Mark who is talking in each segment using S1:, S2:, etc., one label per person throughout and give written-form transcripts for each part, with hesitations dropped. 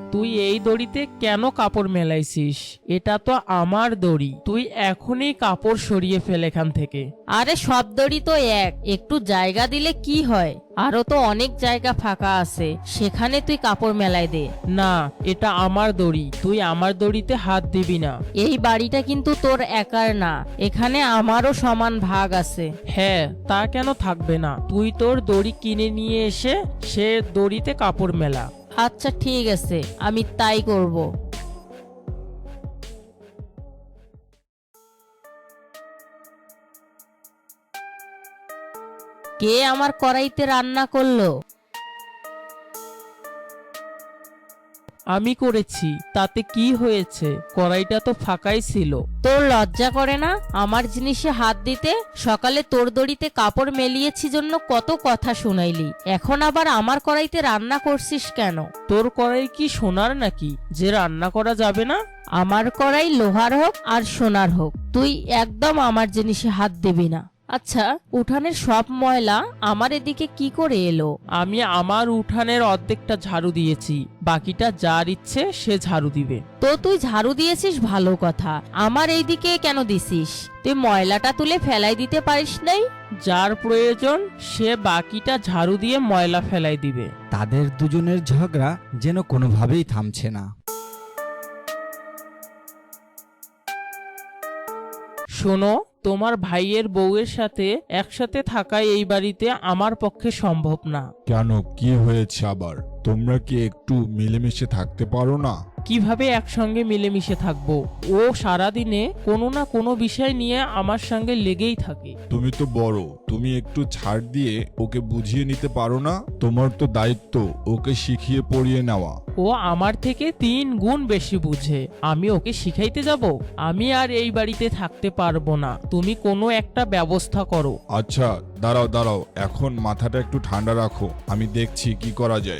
S1: তুই এই দড়িতে কেন কাপড় মেলাইছিস? এটা তো আমার দড়ি। তুই এখনই কাপড় সরিয়ে ফেল এখান থেকে।
S2: আরে সব দড়ি তো এক, একটু জায়গা দিলে কি হয়? আরো তো অনেক জায়গা ফাঁকা আছে, সেখানে তুই কাপড় মেলাই দে।
S1: না, এটা আমার দড়ি। তুই আমার দড়িতে হাত দিবি না।
S2: এই বাড়িটা কিন্তু তোর একার না, এখানে আমারও সমান ভাগ আছে।
S1: হ্যাঁ, তা কেন থাকবে না? তুই তোর দড়ি কিনে নিয়ে এসে সে দড়িতে কাপড় মেলা।
S2: আচ্ছা ঠিক আছে, আমি তাই করব। কে আমার কড়াইতে রান্না করলো?
S1: আমি করেছি, তাতে কি হয়েছে? কড়াইটা তো ফাঁকাই ছিল।
S2: তোর লজ্জা করে না আমার জিনিসে হাত দিতে? সকালে তোর দড়িতে কাপড় মেলিয়েছি জন্য কত কথা শুনাইলি, এখন আবার আমার কড়াইতে রান্না করছিস কেন?
S1: তোর কড়াই কি সোনার নাকি যে রান্না করা যাবে না?
S2: আমার কড়াই লোহার হোক আর সোনার হোক, তুই একদম আমার জিনিসে হাত দিবি না। আচ্ছা, উঠানের সব ময়লা আমার এদিকে কি করে এলো?
S1: আমি আমার উঠানের অর্ধেকটা ঝাড়ু দিয়েছি, বাকিটা যার ইচ্ছে সে ঝাড়ু দিবে।
S2: তো তুই ঝাড়ু দিয়েছিস ভালো কথা, আমার এইদিকে কেন দিছিস? তুই ময়লাটা তুলে ফেলাই দিতে পারিস নাই?
S1: যার প্রয়োজন সে বাকিটা ঝাড়ু দিয়ে ময়লা ফেলাই দিবে।
S3: তাদের দুজনের ঝগড়া যেন কোনোভাবেই থামছে না।
S1: শোনো, তোমার ভাইয়ের বউয়ের সাথে একসাথে থাকা এই বাড়িতে আমার পক্ষে সম্ভব না।
S4: কেন, কি হয়েছে আবার? তোমরা কি একটু মিলেমিশে থাকতে পারো না?
S1: কিভাবে একসঙ্গে মিলেমিশে থাকবো? ও সারাদিনে কোনো না কোনো বিষয় নিয়ে আমার সঙ্গে লেগেই থাকে।
S4: তুমি তো বড়, তুমি একটু ছাড় দিয়ে ওকে বুঝিয়ে নিতে পারো না? তোমার তো দায়িত্ব ওকে শিখিয়ে পড়িয়ে নেওয়া।
S1: ও আমার থেকে 3 গুণ বেশি বুঝে, আমি ওকে শিখাইতে যাব? আমি আর এই বাড়িতে থাকতে পারবো না। তুমি কোনো একটা ব্যবস্থা করো।
S4: আচ্ছা, দাঁড়াও দাঁড়াও, এখন মাথাটা একটু ঠান্ডা রাখো, আমি দেখছি কি করা যায়।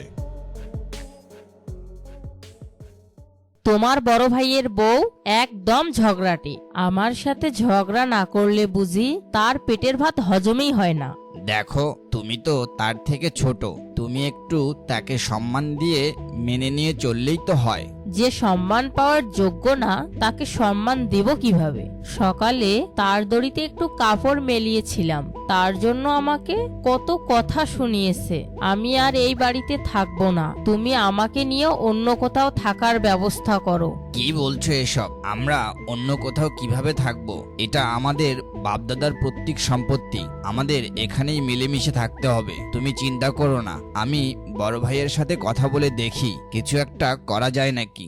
S2: তোমার বড় ভাইয়ের বউ একদম ঝগড়াটে, আমার সাথে ঝগড়া না করলে বুঝি তার পেটের ভাত হজমই হয় না।
S5: দেখো, তুমি তো তার থেকে ছোট, তুমি একটু তাকে সম্মান দিয়ে মেনে নিয়ে চললেই তো হয়।
S2: যে সম্মান পাওয়ার যোগ্য না তাকে সম্মান দেব কিভাবে? সকালে তার দড়িতে একটু কাপড় মেলিয়েছিলাম, তার জন্য আমাকে কত কথা শুনিয়েছে। আমি আর এই বাড়িতে থাকবো না, তুমি আমাকে নিয়ে অন্য কোথাও থাকার ব্যবস্থা করো।
S5: কি বলছো এসব? আমরা অন্য কোথাও কিভাবে থাকবো? এটা আমাদের বাপদাদার পৈতৃক সম্পত্তি, আমাদের এখানেই মিলেমিশে থাকতে হবে। তুমি চিন্তা করো না, আমি বড় ভাইয়ের সাথে কথা বলে দেখি কিছু একটা করা যায় নাকি।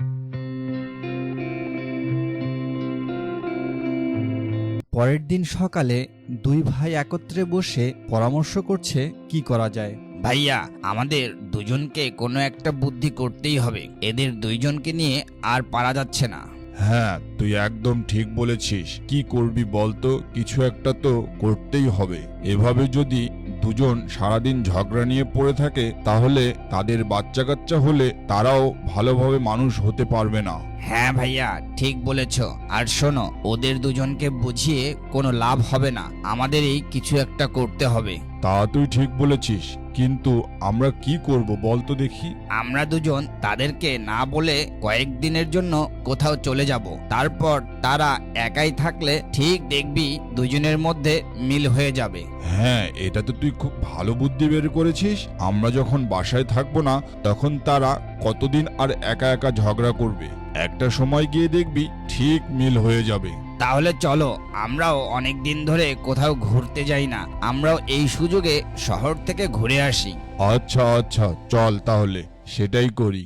S3: পরের দিন সকালে দুই ভাই একত্রে বসে পরামর্শ করছে কি করা যায়।
S5: ভাইয়া, আমাদের দুজনকে কোনো একটা বুদ্ধি করতেই হবে, এদের দুইজনকে নিয়ে আর পারা যাচ্ছে না।
S4: হ্যাঁ, তুই একদম ঠিক বলেছিস। কি করবি বলতো? কিছু একটা তো করতেই হবে। এভাবে যদি দুজন সারাদিন ঝগড়া নিয়ে পড়ে থাকে তাহলে তাদের বাচ্চা কাচ্চা হলে তারাও ভালোভাবে মানুষ হতে পারবে না।
S5: হ্যাঁ ভাইয়া, ঠিক বলেছ। আর শোনো, ওদের দুজনকে বুঝিয়ে কোনো লাভ হবে না, আমাদেরই কিছু একটা করতে হবে।
S4: তা তুই ঠিক বলেছিস, কিন্তু আমরা কি করব বলতো দেখি?
S5: আমরা দুজন তাদেরকে না বলে কয়েকদিনের জন্য কোথাও চলে যাব, তারপর তারা একাই থাকলে ঠিক দেখবি দুজনের মধ্যে মিল হয়ে যাবে।
S4: হ্যাঁ, এটা তো তুই খুব ভালো বুদ্ধি বের করেছিস। আমরা যখন বাসায় থাকবো না তখন তারা কতদিন আর একা একা ঝগড়া করবে, একটা সময় গিয়ে দেখবি ঠিক মিল হয়ে যাবে।
S5: তাহলে চলো, আমরাও অনেক দিন ধরে কোথাও ঘুরতে যাই না, আমরাও এই সুযোগে শহর থেকে ঘুরে আসি।
S4: আচ্ছা আচ্ছা, চল তাহলে সেটাই করি।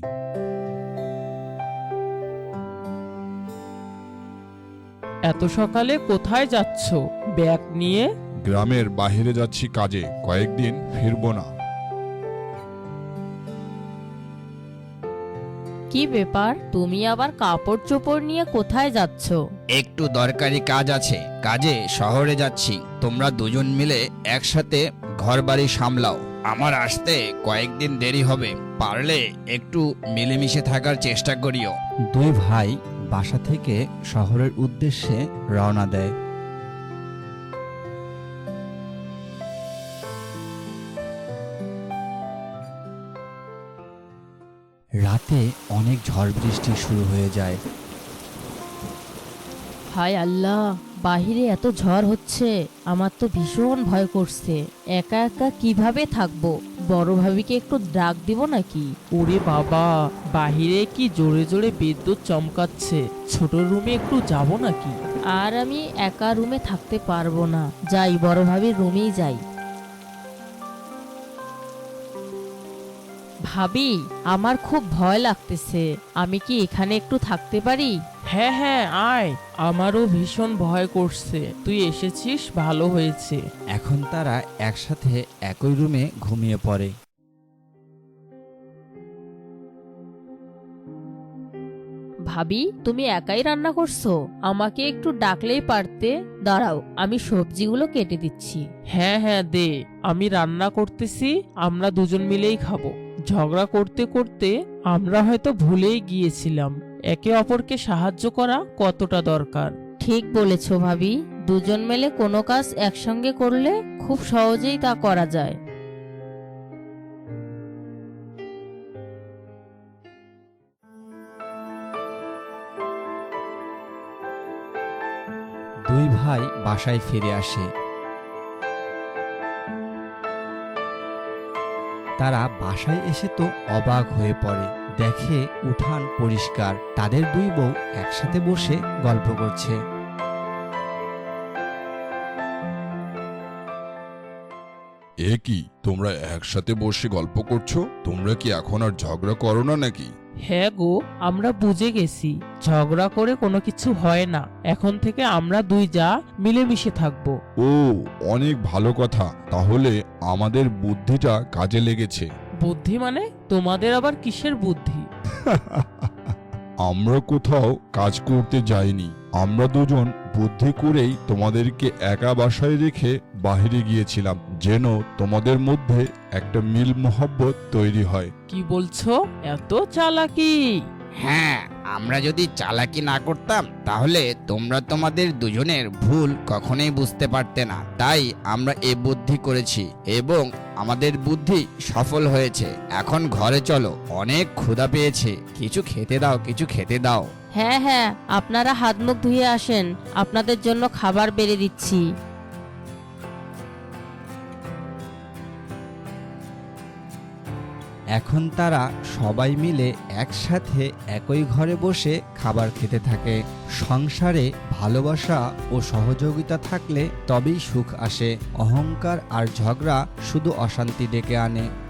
S1: এত সকালে কোথায় যাচ্ছ ব্যাগ নিয়ে?
S4: গ্রামের বাইরে যাচ্ছি কাজে, কয়েকদিন ফিরবো না।
S2: কি ব্যাপার, তুমি আবার কাপড় চোপড় নিয়ে কোথায় যাচ্ছ?
S5: একটু দরকারি কাজ আছে, কাজে শহরে যাচ্ছি। তোমরা দুজন মিলে একসাথে ঘরবাড়ি সামলাও, আমার আসতে কয়েকদিন দেরি হবে, পারলে একটু মিলেমিশে থাকার চেষ্টা করিও।
S3: দুই ভাই বাসা থেকে শহরের উদ্দেশ্যে রওনা দেয়। রাতে অনেক ঝড় বৃষ্টি শুরু হয়ে যায়।
S2: হায় আল্লাহ, বাহিরে এত ঝড় হচ্ছে, আমার তো ভীষণ ভয় করছে। একা একা কিভাবে থাকবো? বড় ভাবিকে একটু ডাক দিব নাকি?
S1: ওরে বাবা, বাহিরে কি জোরে জোরে বিদ্যুৎ চমকাচ্ছে, ছোট রুমে একটু যাব নাকি?
S2: আর আমি একা রুমে থাকতে পারবো না, যাই বড় ভাবির রুমেই যাই। ভাবি, আমার খুব ভয় লাগতেছে, আমি কি এখানে একটু থাকতে পারি?
S1: হ্যাঁ হ্যাঁ, আয়, আমারও ভীষণ ভয় করছে, তুই এসেছিস ভালো হয়েছে।
S3: এখন তারা একসাথে একই রুমে ঘুমিয়ে পড়ে।
S2: ভাবি, তুমি একাই রান্না করছো? আমাকে একটু ডাকলেই পারতে। দাঁড়াও, আমি সবজিগুলো কেটে দিচ্ছি।
S1: হ্যাঁ হ্যাঁ, দে, আমি রান্না করতেছি, আমরা দুজন মিলেই খাবো। ঝগড়া করতে করতে আমরা হয়তো ভুলেই গিয়েছিলাম একে অপরকে সাহায্য করা কতটা দরকার।
S2: ঠিক বলেছো ভাবি, দুজন মিলে কোনো কাজ একসঙ্গে করলে খুব সহজেই তা করা যায়।
S3: দুই ভাই বাসায় ফিরে আসে। তারা বাসায় এসে তো অবাক হয়ে পড়ে, দেখে উঠান পরিষ্কার, তাদের দুই বউ একসাথে বসে গল্প করছে।
S4: এ কি, তোমরা একসাথে বসে গল্প করছো? তোমরা কি এখন আর ঝগড়া করো না নাকি?
S1: হ্যাঁ গো, আমরা বুঝে গেছি, ঝগড়া করে কোনো কিছু হয় না, এখন থেকে আমরা দুই যা মিলেমিশে থাকবো।
S4: ও, অনেক ভালো কথা, তাহলে আমাদের বুদ্ধিটা কাজে লেগেছে।
S1: বুদ্ধি মানে? তোমাদের আবার কিসের বুদ্ধি?
S4: আমরা কোথাও কাজ করতে যাইনি, আমরা দুজন বুদ্ধি করেই তোমাদেরকে একা বাসায় রেখে বাইরে গিয়েছিলাম, যেন তোমাদের মধ্যে একটা মিল মহব্বত তৈরি হয়।
S1: কি বলছো? এত চালাকি?
S5: হ্যাঁ, আমরা যদি চালাকি না করতাম তাহলে তোমরা তোমাদের দুজনের ভুল কখনোই বুঝতে পারতে না। তাই আমরা এ বুদ্ধি করেছি এবং আমাদের বুদ্ধি সফল হয়েছে। এখন ঘরে চলো, অনেক ক্ষুধা পেয়েছে, কিছু খেতে দাও, কিছু খেতে দাও।
S2: হ্যাঁ হ্যাঁ, আপনারা হাত মুখ ধুয়ে আসেন, আপনাদের জন্য খাবার বেড়ে দিচ্ছি।
S3: এখন তারা সবাই মিলে একসাথে একই ঘরে বসে খাবার খেতে থাকে। সংসারে ভালোবাসা ও সহযোগিতা থাকলে তবেই সুখ আসে। অহংকার আর ঝগড়া শুধু অশান্তি ডেকে আনে।